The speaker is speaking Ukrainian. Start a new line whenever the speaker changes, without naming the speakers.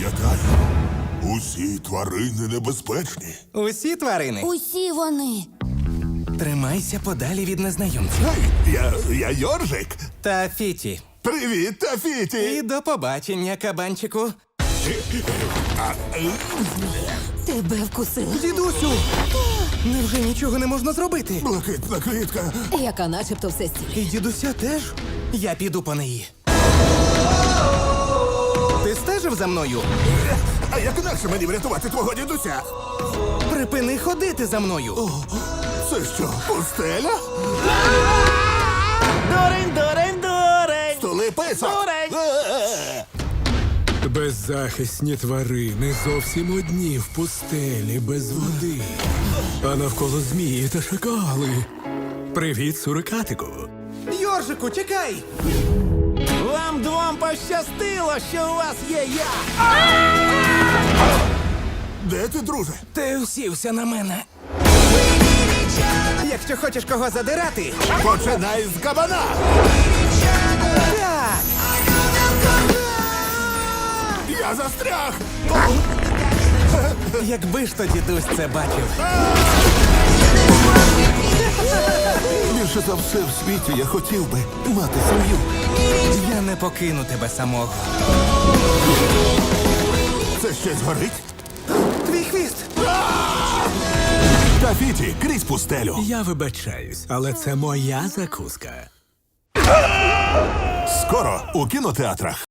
Пам'ятай, усі тварини небезпечні.
Усі тварини.
Усі вони.
Тримайся подалі від незнайомців.
Гей, я Йоржик.
Та Фіті.
Привіт, Тафіті.
І до побачення, кабанчику.
Тебе вкусили.
Дідусю! Невже нічого не можна зробити?
Блакитна квітка.
Яка начебто все стіль.
І дідуся теж? Я піду по неї. Ти стежив за мною?
А як інакше мені врятувати твого дідуся?
Припини ходити за мною.
Це що, пустеля?
Дурень!
Столи писок.
Дурень!
Беззахисні тварини зовсім одні в пустелі без води. А навколо змії та шакали. Привіт, сурикатику.
Йоржику, чекай! Вам двом пощастило, що у вас є я!
Де ти, друже?
Ти усівся на мене. Якщо хочеш кого задирати,
Починай з кабана.
так!
Я застряг.
Якби ж то дідусь це бачив.
Більше за все в світі я хотів би мати сім'ю.
Я не покину тебе самого.
Це щось горить?
Твій хвіст!
Тафіті, крізь пустелю.
Я вибачаюсь, але це моя закуска.
Скоро у кінотеатрах.